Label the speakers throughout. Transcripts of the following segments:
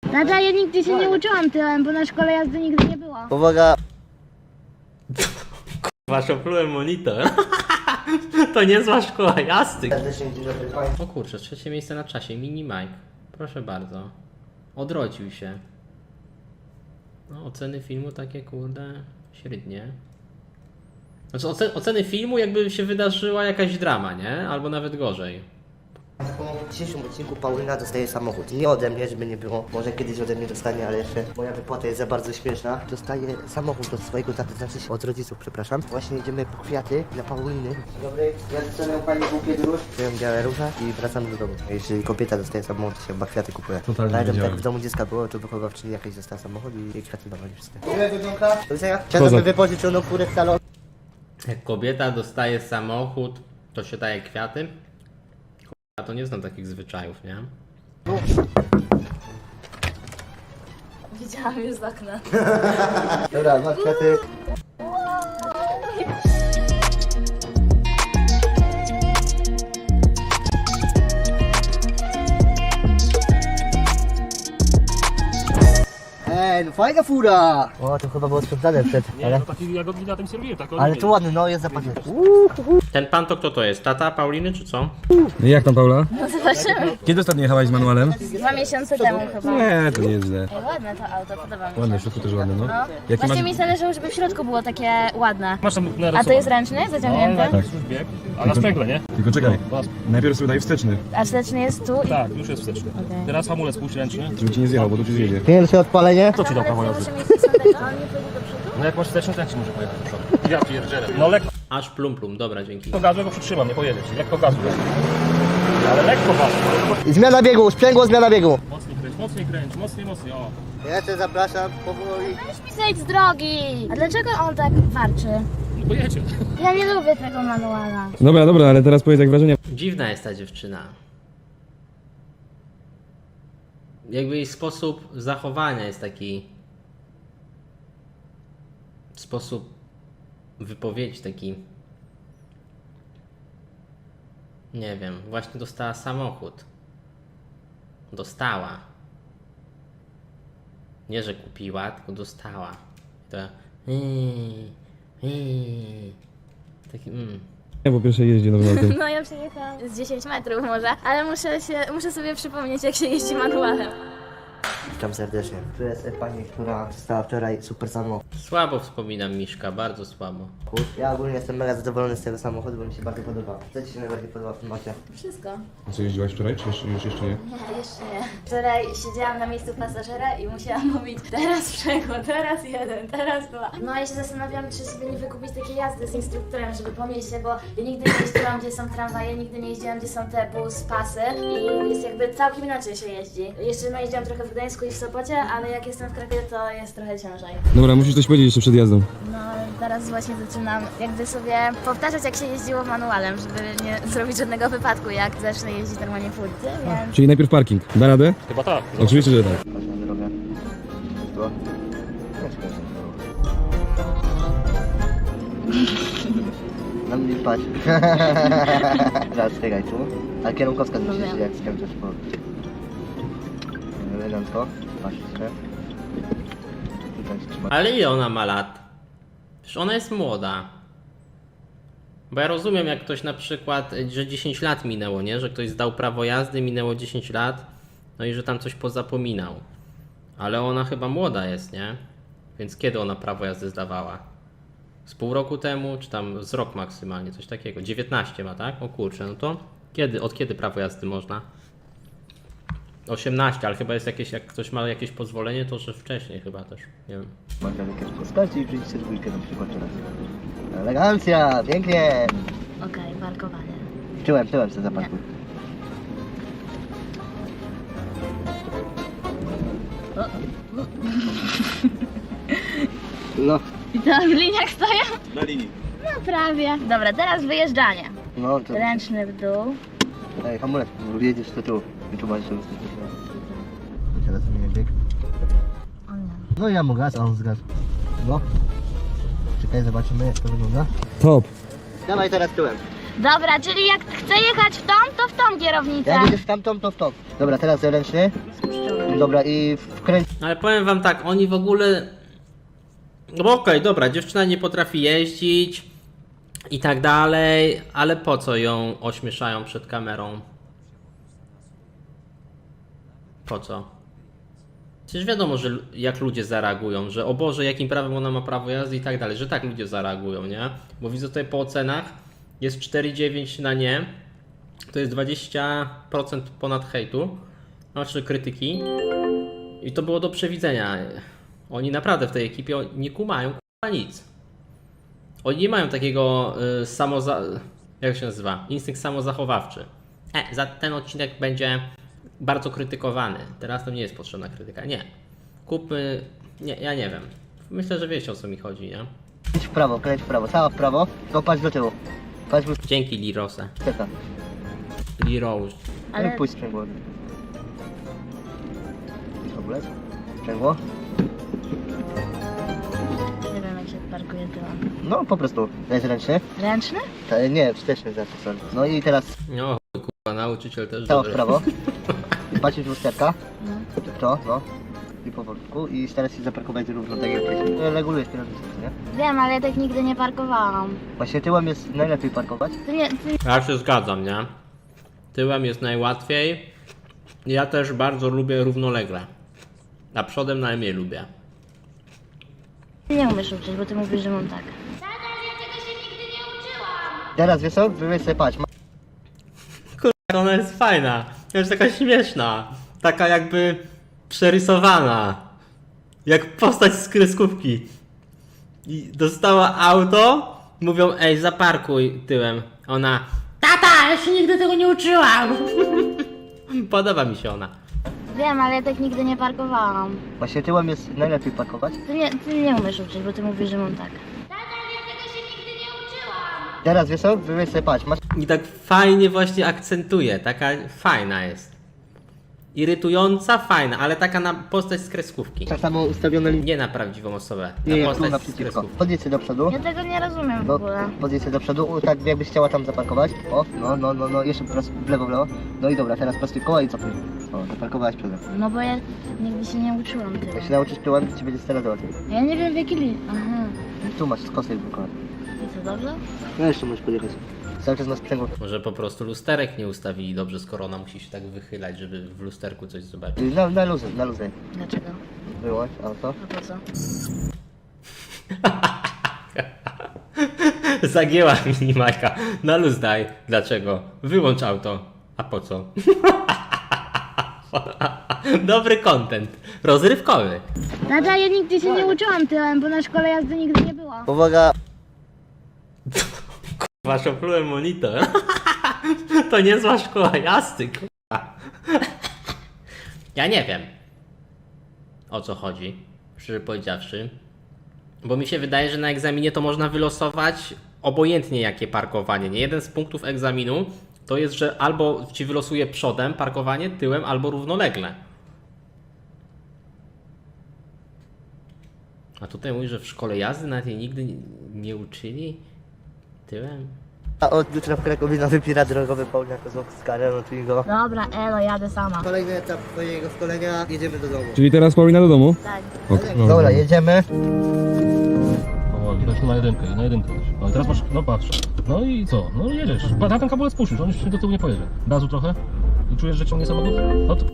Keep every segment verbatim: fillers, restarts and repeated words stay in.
Speaker 1: Tata, ja nigdy się nie uczyłam tyłem, bo na szkole jazdy nigdy nie było.
Speaker 2: Uwaga!
Speaker 3: Kurwa, szoplułem monitor. To niezła szkoła jazdy.
Speaker 2: Serdecznie dzień dobry Państwu.
Speaker 3: O kurczę, trzecie miejsce na czasie, Mini Mike. Proszę bardzo. Odrodził się. No, oceny filmu takie kurde średnie. Znaczy oce oceny filmu jakby się wydarzyła jakaś drama, nie? Albo nawet gorzej.
Speaker 2: W dzisiejszym odcinku Paulina dostaje samochód. Nie ode mnie, żeby nie było. Może kiedyś ode mnie dostanie, ale jeszcze moja wypłata jest za bardzo śmieszna. Dostaje samochód od swojego taty, znaczy się od rodziców, przepraszam. Właśnie idziemy po kwiaty dla Pauliny. Dzień dobry, ja dostanę pani bukiet róż. Wziąłem białe róże i wracamy do domu. Jeśli kobieta dostaje samochód, to się chyba kwiaty kupuje.
Speaker 4: Totalnie
Speaker 2: Pamiętam,
Speaker 4: wiedziałem.
Speaker 2: tak w domu dziecka było, to wychowawczyni jakaś dostała samochód i jej kwiaty dawali wszystkie. Dziękuję, wygląda. Do widzenia. Chciałem wypożyczoną kurę w salon.
Speaker 3: Jak kobieta dostaje samochód, to się daje kwiaty? A to nie znam takich zwyczajów, nie?
Speaker 1: Widziałam już z okna.
Speaker 2: Dobra, dwa kwiaty. Ej, no fajna fura! O, to chyba było sprawdzane przed,
Speaker 4: Nie,
Speaker 2: ale...
Speaker 4: no taki jagodki na tym serwiłem, tak
Speaker 2: Ale to ładny, no jest zapachny.
Speaker 3: Ten pan to kto to jest? Tata Pauliny czy co?
Speaker 4: No jak tam, Paula?
Speaker 1: No zobaczymy.
Speaker 4: Kiedy ostatnio jechałaś z manualem?
Speaker 1: Dwa miesiące temu chyba.
Speaker 4: Nie, to nie jest źle.
Speaker 1: Ej, ładne to auto, podoba mi się.
Speaker 4: Ładne, w środku też ładne, no.
Speaker 1: No.
Speaker 4: Jaki
Speaker 1: Właśnie
Speaker 4: masz...
Speaker 1: mi zależało, żeby w środku było takie ładne.
Speaker 4: Masz tam
Speaker 1: A to jest ręczny, zaciągnięty?
Speaker 4: tak.
Speaker 5: Bieg, a na sprzęgle, nie?
Speaker 4: Tylko czekaj, najpierw sobie daj wsteczny,
Speaker 1: A wsteczny jest tu i...
Speaker 5: Tak, już jest wsteczny.
Speaker 1: Okej.
Speaker 5: Teraz hamulec półręczny.
Speaker 4: żeby ci nie zjechał, bo tu ci zjedzie.
Speaker 2: Pierwsze odpalenie.
Speaker 5: Kto ci dał prawo jazdy?
Speaker 1: Muszę mieć sądeczkę, a on nie pójdzie do przodu?
Speaker 5: No jak masz wsteczny, to jak ci może pojechać do przodu? Ja pierdzielę. No lekko
Speaker 3: Aż plum plum, dobra, dzięki.
Speaker 5: gazu, go przytrzymam, nie pojedziesz. Lekko gazu. Ale lekko gazu.
Speaker 2: Zmiana biegu, sprzęgło, zmiana biegu.
Speaker 5: Mocniej kręć, mocniej kręć, mocniej, mocniej, o.
Speaker 2: Ja cię zapraszam, powoli.
Speaker 1: Weź mi zejdź z drogi! A dlaczego on tak warczy?
Speaker 5: No pojedzie.
Speaker 1: Ja nie lubię tego manuala.
Speaker 4: Dobra, dobra, ale teraz powiedz jak wrażenie.
Speaker 3: Dziwna jest ta dziewczyna. Jakby jej sposób zachowania jest taki... Sposób wypowiedzi taki... Nie wiem, właśnie dostała samochód. Dostała. Nie, że kupiła, tylko dostała. To... Taki... Mm.
Speaker 4: Ja po pierwsze jeździ nowym autem.
Speaker 1: No ja przejechałam z dziesięć metrów może, ale muszę się, muszę sobie przypomnieć jak się jeździ manualem.
Speaker 2: Witam serdecznie. Tu jest pani, która dostała wczoraj super samochód.
Speaker 3: Słabo wspominam Miszka, bardzo słabo.
Speaker 2: Ja ogólnie jestem mega zadowolony z tego samochodu, bo mi się bardzo podoba. Co ci się najbardziej podoba w tym macie?
Speaker 1: Wszystko.
Speaker 4: A co, jeździłaś wczoraj, czy jeszcze, już jeszcze nie?
Speaker 1: Nie, jeszcze nie. Wczoraj siedziałam na miejscu pasażera i musiałam mówić teraz przego, teraz jeden, teraz dwa. No ja się zastanawiam, czy sobie nie wykupić takiej jazdy z instruktorem, żeby po mieście, bo ja nigdy nie jeździłam, gdzie są tramwaje, nigdy nie jeździłam, gdzie są te bus, pasy i jest jakby całkiem inaczej się jeździ. Jeszcze no jeździłam trochę w Gdańsku i w Sopocie, ale jak jestem w Krakowie, to jest trochę ciężej.
Speaker 4: Dobra, musisz coś powiedzieć jeszcze przed jazdą.
Speaker 1: No teraz właśnie zaczynam jakby sobie powtarzać, jak się jeździło manualem, żeby nie zrobić żadnego wypadku, jak zacznę jeździć normalnie w ulicy, więc...
Speaker 4: Czyli najpierw parking. Da radę?
Speaker 5: Chyba tak.
Speaker 4: Oczywiście, że tak.
Speaker 2: Chodź na drogę. Tu. Na mnie patrz. Teraz czekaj tu. A kierunkowska
Speaker 1: No
Speaker 2: zbliżyć
Speaker 1: wiem.
Speaker 2: jak skręcasz po... Elegancko. Patrz się. Tutaj się trzyma.
Speaker 3: Ale ile ona ma lat? Przecież ona jest młoda. Bo ja rozumiem, jak ktoś na przykład, że dziesięć lat minęło, nie? Że ktoś zdał prawo jazdy, minęło dziesięć lat, no i że tam coś pozapominał. Ale ona chyba młoda jest, nie? Więc kiedy ona prawo jazdy zdawała? Z pół roku temu, czy tam z rok maksymalnie, coś takiego. dziewiętnaście ma, tak? O kurczę, no to kiedy, od kiedy prawo jazdy można? osiemnaście, ale chyba jest jakieś, jak ktoś ma jakieś pozwolenie, to że wcześniej chyba też, nie wiem.
Speaker 2: Można kierunkowska i przyjdziecie dwójkę na przykład teraz. Elegancja, pięknie.
Speaker 1: Okej, parkowanie.
Speaker 2: Tyłem, tyłem sobie zaparkuj. No,
Speaker 1: I to w liniach stoję?
Speaker 5: Na linii.
Speaker 1: No prawie. Dobra, teraz wyjeżdżanie.
Speaker 2: no to...
Speaker 1: Ręczny w dół.
Speaker 2: Ej, hamulec, jedziesz to tu. I tu masz jeszcze teraz zmienię bieg. No ja mu gaz, a on zgasł. No. Czekaj, zobaczymy jak to wygląda.
Speaker 4: Top.
Speaker 2: Dawaj teraz tyłem.
Speaker 1: Dobra, czyli jak chcę jechać w tą, to w tą kierownicę.
Speaker 2: Jak jedziesz w tamtą, to w tą. Dobra, teraz ręczny.
Speaker 1: Spuszczony.
Speaker 2: Dobra, i wkręć...
Speaker 3: Ale powiem wam tak, oni w ogóle... No bo okej, dobra, dziewczyna nie potrafi jeździć i tak dalej, ale po co ją ośmieszają przed kamerą? Po co? Przecież wiadomo, że l- jak ludzie zareagują, że o Boże, jakim prawem ona ma prawo jazdy i tak dalej, że tak ludzie zareagują, nie? Bo widzę tutaj po ocenach, jest cztery dziewięć na nie, to jest dwadzieścia procent ponad hejtu, znaczy krytyki i to było do przewidzenia. Oni naprawdę w tej ekipie nie kumają k***a nic. Oni nie mają takiego y, samoza... jak się nazywa? Instynkt samozachowawczy. E, za ten odcinek będzie bardzo krytykowany. Teraz to nie jest potrzebna krytyka. Nie. Kupmy... Nie, ja nie wiem. Myślę, że wiecie o co mi chodzi, nie?
Speaker 2: Kręć w prawo, kręć w prawo, cała w prawo, tylko patrz do tyłu. Patrz w
Speaker 3: Dzięki Lirose.
Speaker 2: lusterka.
Speaker 3: Lirose.
Speaker 2: Ale...
Speaker 1: Ale
Speaker 2: Pójdź sprzęgło. W ogóle? Sprzęgło?
Speaker 1: nie wiem jak się parkuje tyłem.
Speaker 2: No po prostu, jest ręczny.
Speaker 1: Ręczny?
Speaker 2: Ta, nie, wsteczny znaczy, sorry. No i teraz
Speaker 3: No kurwa, nauczyciel też
Speaker 2: cała w
Speaker 3: dobry.
Speaker 2: prawo. I patrz w lusterka.
Speaker 1: No.
Speaker 2: W to, no. I powolutku. I starasz się zaparkować równo tak jak wcześniej. Regulujesz kierownicę, nie?
Speaker 1: Wiem, ale ja tak nigdy nie parkowałam.
Speaker 2: Właśnie tyłem jest najlepiej parkować.
Speaker 1: Ty nie, ty
Speaker 3: Ja się zgadzam, nie? Tyłem jest najłatwiej. Ja też bardzo lubię równolegle. A przodem najmniej lubię.
Speaker 1: nie umiesz uczyć, bo ty mówisz, że mam tak.
Speaker 2: Teraz wiesz co? Wyweź sobie, patrz.
Speaker 3: Kurwa, ona jest fajna. Jest taka śmieszna. Taka jakby przerysowana. Jak postać z kreskówki. I dostała auto. Mówią, ej, zaparkuj tyłem. Ona, tata, ja się nigdy tego nie uczyłam. Podoba mi się ona.
Speaker 1: Wiem, ale ja tak nigdy nie parkowałam.
Speaker 2: Właśnie tyłem jest najlepiej parkować.
Speaker 1: Ty nie, ty nie umiesz uczyć, bo ty mówisz, że mam tak.
Speaker 2: Teraz wiesz co? Wyweź sobie, patrz. Masz
Speaker 3: I tak fajnie właśnie akcentuje. Taka fajna jest. Irytująca, fajna, ale taka na postać z kreskówki.
Speaker 2: tak samo ustawione linie.
Speaker 3: Nie na prawdziwą osobę.
Speaker 2: Nie,
Speaker 3: Na
Speaker 2: nie, tu
Speaker 3: postać z
Speaker 2: naprzeciwko.
Speaker 3: kreskówki.
Speaker 2: Podjedź się do przodu.
Speaker 1: Ja tego nie rozumiem w
Speaker 2: No,
Speaker 1: ogóle.
Speaker 2: podjedź się do przodu, u, tak jakbyś chciała tam zaparkować. O, no, no, no, no, jeszcze prosto, w lewo, w lewo. No i dobra, teraz prostuj koła i cofnij. O, zaparkowałaś przodem.
Speaker 1: No bo ja nigdy się nie uczyłam
Speaker 2: Jak
Speaker 1: tego.
Speaker 2: się nauczysz tyłem, to ci będzie teraz łatwiej.
Speaker 1: Ja nie wiem w jaki li... Aha.
Speaker 2: Tu masz skosy blokowane.
Speaker 1: I co, dobrze?
Speaker 2: No jeszcze możesz podjechać. Cały czas na sprzęgło.
Speaker 3: Może po prostu lusterek nie ustawili dobrze, skoro ona musi się tak wychylać, żeby w lusterku coś zobaczyć.
Speaker 2: Na, na luzę, na luzę.
Speaker 1: Dlaczego?
Speaker 2: Wyłącz auto.
Speaker 1: A po co?
Speaker 3: Zagięła mi Majka. Na luz daj. Dlaczego? Wyłącz auto. A po co? Dobry content. Rozrywkowy.
Speaker 1: Tata, ja nigdy się nie uczyłam tyłem, bo na szkole jazdy nigdy nie było.
Speaker 2: Uwaga,
Speaker 3: Wasz oplułem monitor. To niezła szkoła jazdy, kurwa. Ja nie wiem, o co chodzi, szczerze powiedziawszy. Bo mi się wydaje, że na egzaminie to można wylosować obojętnie jakie parkowanie. Nie jeden z punktów egzaminu to jest, że albo ci wylosuje przodem parkowanie, tyłem, albo równolegle. A tutaj mówi, że w szkole jazdy nawet jej nigdy nie, nie uczyli tyłem.
Speaker 2: a od jutra w Krakowie nowy pirat drogowy Paulina Kozłowska, no tu go.
Speaker 1: Dobra, elo, jadę sama.
Speaker 2: Kolejny etap twojego szkolenia, jedziemy do domu.
Speaker 4: Czyli teraz Paulina do domu?
Speaker 1: Tak.
Speaker 4: Ok,
Speaker 2: Dobra, jedziemy.
Speaker 5: Powoli, weź tu na jedynkę, na jedynkę weź. No i teraz masz, no patrz. No i co? No jedziesz. Pa- Na ten kabulec puścisz, on już się do tyłu nie pojedzie. Gazu trochę i czujesz, że ciągnie samochód? No to...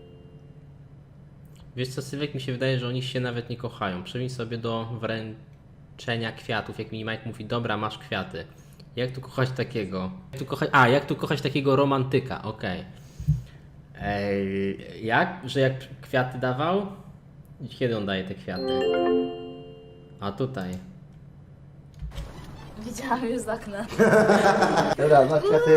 Speaker 3: Wiesz co, Sylwek, mi się wydaje, że oni się nawet nie kochają. Przejdź sobie do wręczenia kwiatów, jak mi Mike mówi, dobra, masz kwiaty. Jak tu kochać takiego? Jak tu kochać... A, jak tu kochać takiego romantyka, okej. Ej, jak? Że jak kwiaty dawał? Kiedy on daje te kwiaty? A tutaj.
Speaker 1: Widziałam już z okna.
Speaker 2: Dobra, masz kwiaty.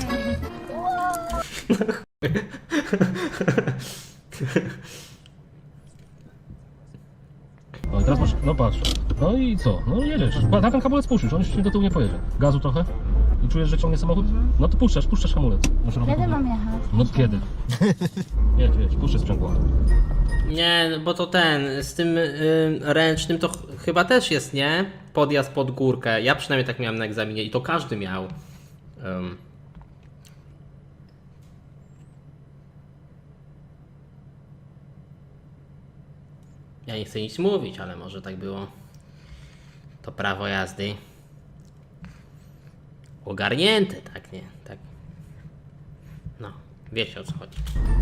Speaker 5: No i teraz masz, no patrz. No i co? No jedziesz. Pa- Na ten kabulec puścisz, on już się do tyłu nie pojedzie. Gazu trochę i czujesz, że ciągnie samochód? No to puszczasz, puszczasz hamulec. Masz robić-
Speaker 1: Kiedy mam jechać?
Speaker 5: No kiedy? Jedź, jedź, puszczę sprzęgło.
Speaker 3: Nie, no bo to ten, z tym y, ręcznym to ch chyba też jest, nie? Podjazd pod górkę. Ja przynajmniej tak miałem na egzaminie i to każdy miał. Ym. Ja nie chcę nic mówić, ale może tak było. To prawo jazdy ogarnięte, tak nie? Tak. No, wiecie o co chodzi.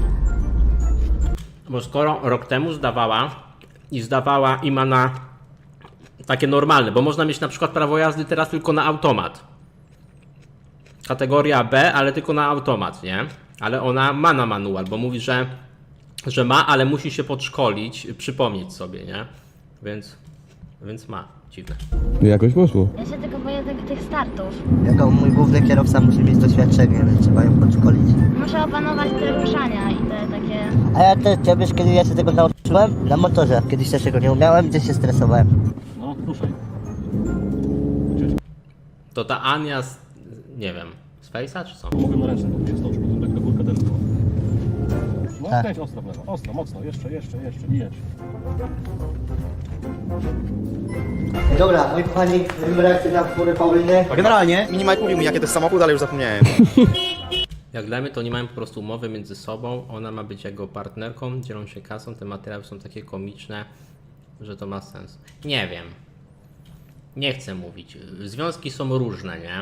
Speaker 3: Bo skoro rok temu zdawała i zdawała i ma na takie normalne, bo można mieć na przykład prawo jazdy teraz tylko na automat. Kategoria B, ale tylko na automat, nie? Ale ona ma na manual, bo mówi, że, że ma, ale musi się podszkolić, przypomnieć sobie, nie? Więc, więc ma. Dziwne.
Speaker 4: Jakoś poszło.
Speaker 1: Ja się tylko boję tych, tych startów.
Speaker 2: Jako mój główny kierowca musi mieć doświadczenie, więc trzeba ją podszkolić.
Speaker 1: Muszę opanować te ruszania i te takie...
Speaker 2: A ja też, ja wiesz, kiedy ja się tego nauczyłem? Na motorze. Kiedyś też tego nie umiałem, gdzieś się stresowałem.
Speaker 5: No, ruszaj.
Speaker 3: To ta Ania z, nie wiem, z Face'a czy co?
Speaker 5: Mogę na ręce, bo się stoczy, bo lekka górka też była. No,
Speaker 2: Tak.
Speaker 5: kręć ostro w lewo, ostro, mocno, jeszcze, jeszcze, jeszcze i jedź.
Speaker 2: Dobra, moi kochani, robimy reakcję na furę Pauliny.
Speaker 6: Generalnie Minimajk mówił mi jaki to jest samochód, ale już zapomniałem.
Speaker 3: Jak dla mnie to nie mają po prostu umowy między sobą, ona ma być jego partnerką, dzielą się kasą, te materiały są takie komiczne, że to ma sens. Nie wiem. Nie chcę mówić. Związki są różne, nie?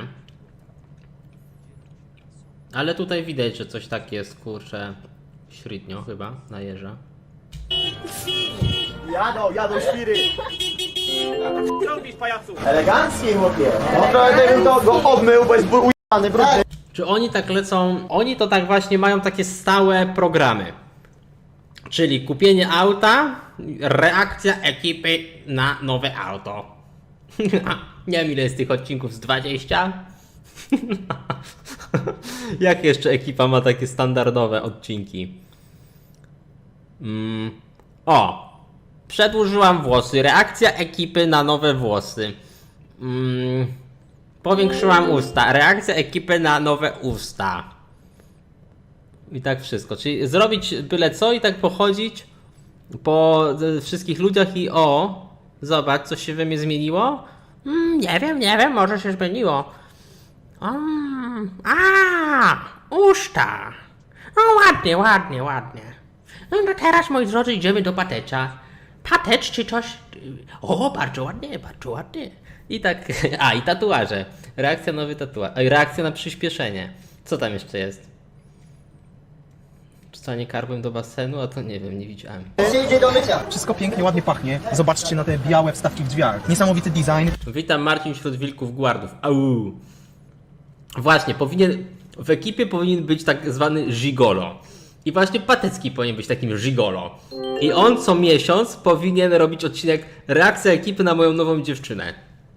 Speaker 3: Ale tutaj widać, że coś tak jest, kurczę, średnio chyba, na jeża.
Speaker 6: Jadą, jadą świry. Elegancki chłopie. No trochę bym to go obmył, bo jest ujany, brudny.
Speaker 3: Czy oni tak lecą? Oni to tak właśnie mają takie stałe programy. Czyli kupienie auta, reakcja ekipy na nowe auto. Nie wiem ile jest tych odcinków, z dwadzieścia? Jak jeszcze ekipa ma takie standardowe odcinki? Mm. O! Przedłużyłam włosy. Reakcja ekipy na nowe włosy. Mm. Powiększyłam usta. Reakcja ekipy na nowe usta. I tak wszystko. Czyli zrobić byle co i tak pochodzić po wszystkich ludziach i o, zobacz, co się we mnie zmieniło? Mm, nie wiem, nie wiem, może się zmieniło. Um, a, usta. No ładnie, ładnie, ładnie. No to teraz, moi drodzy, idziemy do Patecza. Patecz czy coś? O, bardzo ładnie, bardzo ładnie. I tak, a i tatuaże. Reakcja na nowy tatuaż. Reakcja na przyspieszenie. Co tam jeszcze jest? Wrzucanie karbem do basenu, a to nie wiem, nie widziałem.
Speaker 2: Się idzie do mycia.
Speaker 6: Wszystko pięknie, ładnie pachnie. Zobaczcie na te białe wstawki w drzwiach. Niesamowity design.
Speaker 3: Witam, Marcin wśród wilków guardów. Au. Właśnie, powinien, w ekipie powinien być tak zwany gigolo. I właśnie Patecki powinien być takim gigolo. I on co miesiąc powinien robić odcinek reakcja ekipy na moją nową dziewczynę.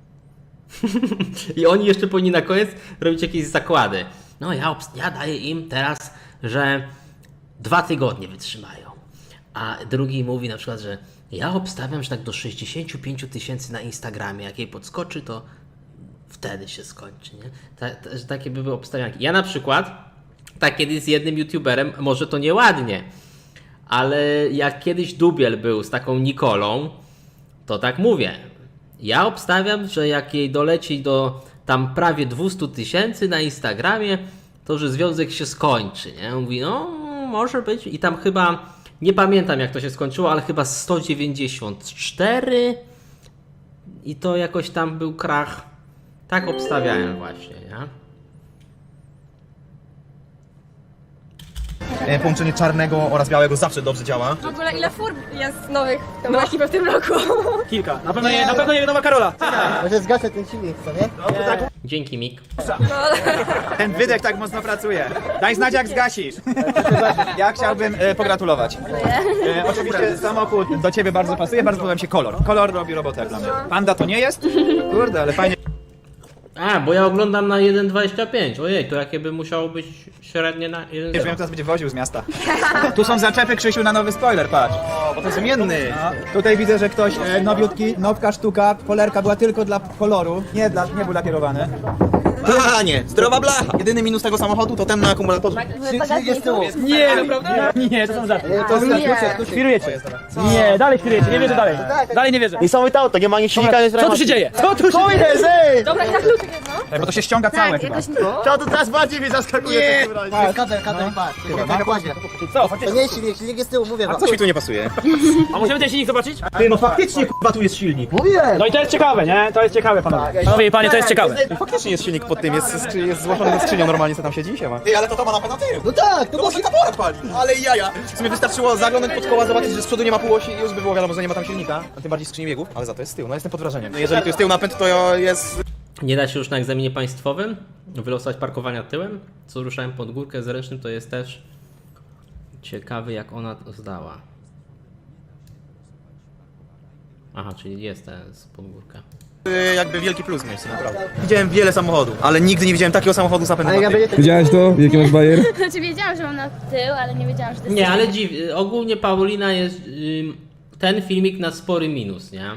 Speaker 3: I oni jeszcze powinni na koniec robić jakieś zakłady. No ja, ja daję im teraz, że dwa tygodnie wytrzymają. A drugi mówi na przykład, że ja obstawiam, że tak do sześćdziesięciu pięciu tysięcy na Instagramie, jak jej podskoczy, to wtedy się skończy, nie? Ta, ta, że takie by były obstawianki. Ja na przykład, tak kiedyś z jednym youtuberem, może to nieładnie, ale jak kiedyś Dubiel był z taką Nikolą, to tak mówię. Ja obstawiam, że jak jej doleci do tam prawie dwieście tysięcy na Instagramie, to że związek się skończy, nie? Mówi, no może być. I tam chyba, nie pamiętam jak to się skończyło, ale chyba sto dziewięćdziesiąt cztery i to jakoś tam był krach. Tak obstawiałem właśnie, nie?
Speaker 6: E, Połączenie czarnego oraz białego zawsze dobrze działa.
Speaker 7: W ogóle ile fur jest nowych w tą ekipę w tym roku?
Speaker 6: Kilka. Na pewno nie, na pewno nie nowa Karola.
Speaker 2: Może zgaszę ten silnik, co nie?
Speaker 3: Dzięki, Mik.
Speaker 6: Ten wydech tak mocno pracuje. Daj znać jak zgasisz. Ja chciałbym e, pogratulować. E, oczywiście samochód do ciebie bardzo pasuje, bardzo podoba mi się kolor. Kolor robi robotę dla mnie. Panda to nie jest? Kurde, ale fajnie.
Speaker 3: A, bo ja oglądam na jeden dwadzieścia pięć. Ojej, to jakie by musiało być średnie na jeden
Speaker 6: Nie wiem, teraz będzie woził z miasta. Tu są zaczepy, Krzysiu, na nowy spoiler, patrz. O, bo to jest zmienny. No. Tutaj widzę, że ktoś e, nowiutki, nowka sztuka, polerka była tylko dla koloru, nie, dla, nie był lakierowany. A nie, zdrowa blacha. Jedyny minus tego samochodu to ten na akumulatorze.
Speaker 2: Przyjdzie z tyłu.
Speaker 8: Nie, naprawdę? Nie, to są żarty.
Speaker 2: To jest
Speaker 8: Świrujecie. Nie, dalej świrujecie, nie wierzę dalej. Dalej nie wierzę.
Speaker 6: Niesamowite auto, nie ma nic silnika,
Speaker 8: Co tu się dzieje? Co tu się dzieje?
Speaker 6: jest, ej!
Speaker 7: Dobra, i na kluczyk jedno.
Speaker 6: Ej, bo to się ściąga całe
Speaker 7: Tak,
Speaker 6: chyba.
Speaker 7: jakoś...
Speaker 2: To to teraz bardziej mnie zaskakuje w takim razie. Jest kabel, kabel i patrz. Na nakładzie.
Speaker 8: Co,
Speaker 2: To
Speaker 8: faktycznie?
Speaker 2: nie jest silnik, silnik jest z tyłu, mówię wam.
Speaker 6: Coś mi tu nie pasuje.
Speaker 8: A możemy ten silnik zobaczyć?
Speaker 6: Ty, no faktycznie kurwa tu jest silnik.
Speaker 2: Mówiłem!
Speaker 8: No i to jest ciekawe, nie? To jest ciekawe, panowie. Panowie i panie, to jest ciekawe.
Speaker 6: Faktycznie jest silnik pod tym, jest, skrzy- jest złożony ze skrzynią normalnie, co tam siedzi się ma. Ty, ale to to ma na pewno tył.
Speaker 2: No tak, to
Speaker 6: To może taboret pali. Ale jaja. W sumie wystarczyło zaglądać pod koła, zobaczyć, że z przodu nie ma półosi i już by było wiadomo, że nie ma tam silnika. A tym bardziej skrzyni biegów, ale za to jest z tyłu. No jestem pod wrażeniem. No jeżeli tu jest tył napęd, to jest...
Speaker 3: Nie da się już na egzaminie państwowym wylosować parkowania tyłem. Co ruszałem pod górkę z ręcznym, to jest też ciekawy, jak ona to zdała. Aha, czyli jest ten z podgórka.
Speaker 6: y, jakby wielki plus mieć, naprawdę. Widziałem wiele samochodów, ale nigdy nie widziałem takiego samochodu z napędem
Speaker 2: Ale
Speaker 6: na
Speaker 2: ja
Speaker 6: tył.
Speaker 2: będę...
Speaker 4: Widziałeś to? Jaki masz bajer?
Speaker 7: Znaczy wiedziałam, że mam na tył, ale nie wiedziałam, że to jest...
Speaker 3: Nie, ale dziw... ogólnie Paulina jest... ym, ten filmik na spory minus, nie?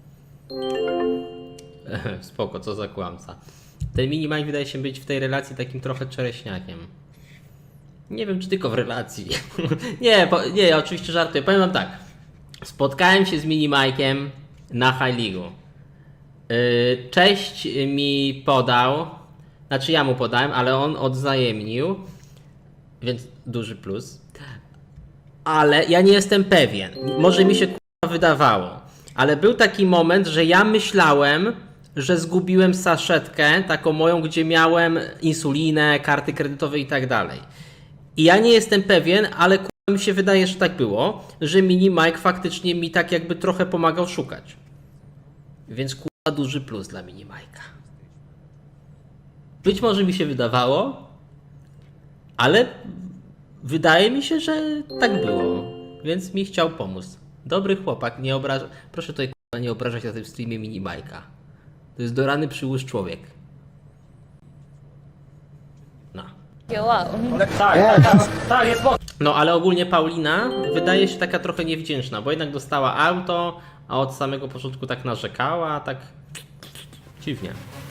Speaker 3: Spoko, co za kłamca. Ten Minimike wydaje się być w tej relacji takim trochę czereśniakiem. Nie wiem, czy tylko w relacji. nie, po, nie, ja oczywiście żartuję. Powiem wam tak. Spotkałem się z Minimike'iem na High League'u. Yy, cześć mi podał. Znaczy ja mu podałem, ale on odwzajemnił. Więc duży plus. Ale ja nie jestem pewien. Może mi się k***a wydawało. Ale był taki moment, że ja myślałem, że zgubiłem saszetkę, taką moją, gdzie miałem insulinę, karty kredytowe i tak dalej. I ja nie jestem pewien, ale k***a mi się wydaje, że tak było, że Mini Mike faktycznie mi tak jakby trochę pomagał szukać. Więc k***a duży plus dla Mini Mike'a. Być może mi się wydawało, ale wydaje mi się, że tak było. Więc mi chciał pomóc. Dobry chłopak, nie obraża... Proszę tutaj k***a nie obrażać na tym streamie Mini Mike'a. To jest do rany przyłóż człowiek. No.
Speaker 7: Wow.
Speaker 8: Tak, tak, tak, tak, jest spoko.
Speaker 3: No ale ogólnie Paulina wydaje się taka trochę niewdzięczna, bo jednak dostała auto, a od samego początku tak narzekała, tak dziwnie.